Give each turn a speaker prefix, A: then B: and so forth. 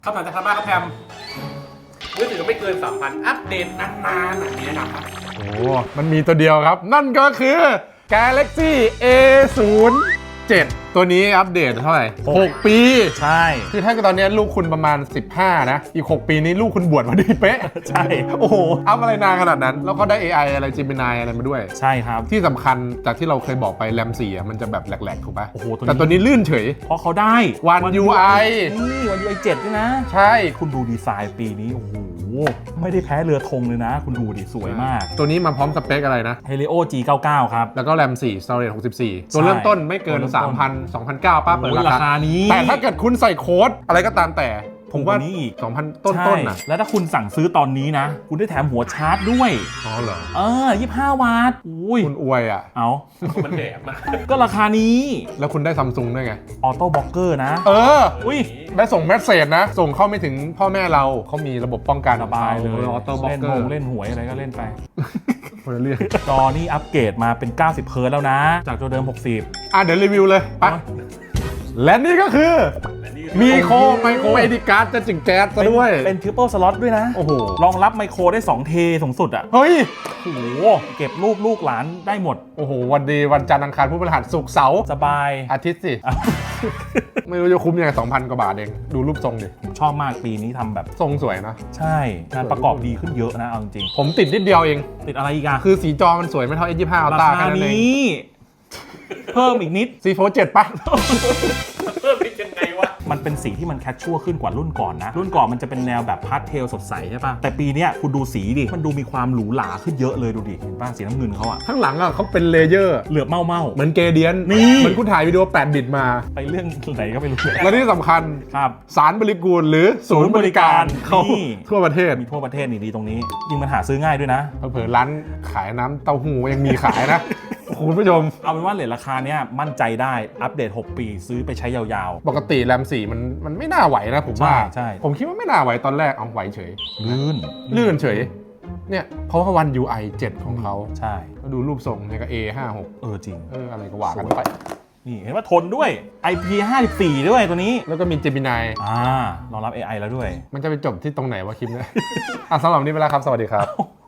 A: คำถามจากทางบ้านครับแพมมือถือไม่เกิน 3,000 อัปเดตนานๆมีแนะนำครับ
B: โอ้มันมีตัวเดียวครับ นั่นก็คือ Galaxy A07 ตัวนี้อัปเดตเท่าไหร่ 6 ปี
C: ใช่
B: คือถ้าตอนนี้ลูกคุณประมาณ 15 นะ อีก 6 ปีนี้ลูกคุณบวชพอดีเป๊ะ
C: ใช่
B: โอ้โห อัพอะไรนานขนาดนั้น แล้วก็ได้ AI อะไร Gemini อะไรมาด้วย
C: ใช่ครับ
B: ที่สำคัญจากที่เราเคยบอกไปแรม4อ่ะมันจะแบบแหลกๆถูกปะ
C: โอ้โห
B: แต่ตัวนี้ลื่นเฉย
C: เพราะเขาได้
B: One UI
C: นี่วัน UI 7ด้วยนะ
B: ใช่
C: คุณดูดีไซน์ปีนี้ โอ้โห ไม่ได้แพ้เรือธงเลยนะ คุณดูดิสวยมาก
B: ตัวนี้มาพร้อมสเปคอะไรนะ
C: Helio G99 ครับ
B: แล้วก็แรม4 Storage 64 ตัวเริ่มต้นไม่เกิน
C: ตัวเริ่มต้น
B: 3,000 2,900ป้าเปิด
C: โอ้ย
B: รา
C: รา
B: คา
C: คานี้
B: แต่ถ้าเกิดคุณใส่โค้ดอะไรก็ตามแต่ ผมว่า
C: ถูกกว่านี้อีก
B: 2,000 ต้นๆนะ
C: ใช่แล้วถ้าคุณสั่งซื้อตอนนี้นะ คุณได้แถมหัวชาร์จด้วย
B: อ๋อเหรอ
C: 25 วัตต์อุ้ย
B: คุณอวยอ่ะ
C: เอา
A: มันแดกมาก
C: ก็ราคานี้
B: แล้วคุณได้ซัมซุงด้วยไง
C: ออโต้บล็อกเกอร์นะ
B: เออ
C: อุ้ย
B: ได้ส่งเมสเซจนะ ส่งเข้าไม่ถึงพ่อแม่เราเขามีระบบป้องกัน
C: สบายเลย
B: ออโต้บล็อก
C: เล่น
B: เก
C: ห
B: อร์
C: งเล่นหวยอะไรก็เล่นไป
B: คนละเรื่อง
C: จอนี่อัปเกรดมาเป็น 90 เฮิร์ตซ์แล้วนะ จากตัวเดิม 60
B: เดี๋ยวรีวิวเลยไปและนี่ก็คือมีโครไมโครเอดิการ์ดจะจิงแก๊สซะด้วย
C: เป็นทริปเปิลสล็อตด้วยนะ
B: โอ้โห
C: รองรับไมโครได้ 2 เทสูงสุดอ่ะ
B: เฮ้ย
C: โอ้โห เก็บรูปลูกหลานได้หมด
B: โอ้โห วันดีวันจันทร์อังคารพุธพฤหัสศุกร์เสาร์
C: สบาย
B: อาทิตย์สิ ไม่รู้จะคุ้มยังไง 2,000 กว่าบาทเอง ดูรูปทรงดิ
C: ผมชอบมากปีนี้ทำแบบ
B: ทรงสวยนะ
C: ใช่ งานประกอบดีขึ้นเยอะนะ เอาจริง
B: ผมติดนิดเดียวเอง
C: ๆติดอะไรอีกอะ
B: คือสีจอมันสวยไม่เท่า S25
C: รา
B: Ultra
C: คา
B: แค่นั้นเอง
C: นี้ เพิ่มอีกนิด
B: C47 ปะ
A: เพิ่มเป็นยังไงวะ
C: มันเป็นสีที่มันแคชชัวขึ้นกว่ารุ่นก่อนนะ รุ่นก่อนมันจะเป็นแนวแบบพาสเทลสดใสใช่ปะแต่ปีเนี้ยคุณดูสีดิ มันดูมีความหรูหราขึ้นเยอะเลยดูดิ เห็นป่ะสีน้ำเงินเขาอะ
B: ข้างหลังอ่ะเขาเป็นเลเยอร์
C: เหลือบเมา
B: เหมือนเกเดียน
C: นี่
B: เหมือนคุณถ่ายวิดีโอ8 บิตมา
C: ไปเรื่องไหนก็ไม่รู้
B: และที่สำคัญ
C: ครับ
B: สารบริกูลหรือศูนย์บริการเขา
C: นี่
B: ทั่วประเทศ
C: มีทั่วประเทศนี่ดีตรงนี้ยิ่งมันหาซื้อง่ายด้วยนะ
B: เผลอๆร้านขายน้ำเต้าหู้ยังมีขายนะ คุณผู้ชม
C: เอาเป็นว่าเลทราคาเนี้ยมั่นใจได้อัปเดต 6 ปีซื้อไปใช้ยาว
B: ปกติแรม4มันไม่น่าไหวนะผมว่า
C: ใช่
B: ผมคิดว่าไม่น่าไหวตอนแรกเอาไหวเฉย
C: ๆลื่น
B: ลื่นเฉย เนี่ยเพราะว่าวัน UI 7 ของเขา
C: ใช่
B: ก็ดูรูปทรงเนี่ยก็ A56
C: จริง
B: อะไรก็ว่ากันไป
C: นี่เห็นว่าทนด้วย IP54 ด้วยตัวนี้
B: แล้วก็มี Gemini
C: รองรับ AI แล้วด้วย
B: มันจะไปจบที่ตรงไหนวะคลิปเนี้ย สำหรับวันนี้ไปแล้วครับ สวัสดีครับ